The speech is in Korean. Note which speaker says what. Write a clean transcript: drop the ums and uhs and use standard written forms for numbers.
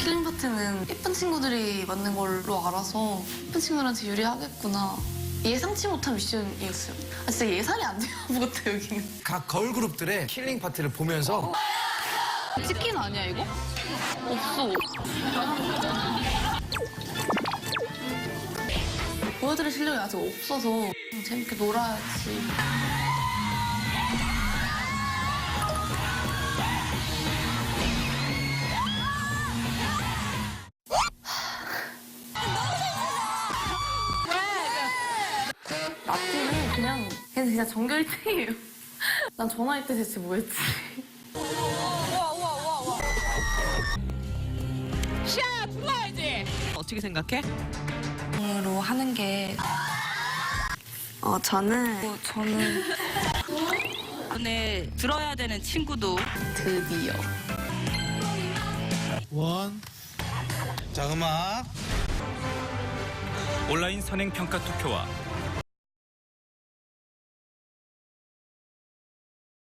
Speaker 1: 킬링 파트는 예쁜 친구들이 맞는 걸로 알아서 예쁜 친구들한테 유리하겠구나. 예상치 못한 미션이었어요. 진짜 예상이 안 돼요, 아무것도 여기는.
Speaker 2: 각 걸그룹들의 킬링 파트를 보면서
Speaker 1: 치킨 아니야, 이거? 없어. 보여드릴 실력이 아직 없어서 좀 재밌게 놀아야지. 나띠는 그냥 전교 1등이에요. 난 전화할 때 대체 뭐 했지?
Speaker 3: 샤! 불러야지! 어떻게 생각해?
Speaker 1: 으로 하는 게 저는
Speaker 3: 오늘 들어야 되는 친구도
Speaker 1: 드디어
Speaker 4: 자, 음악.
Speaker 5: 온라인 선행평가 투표와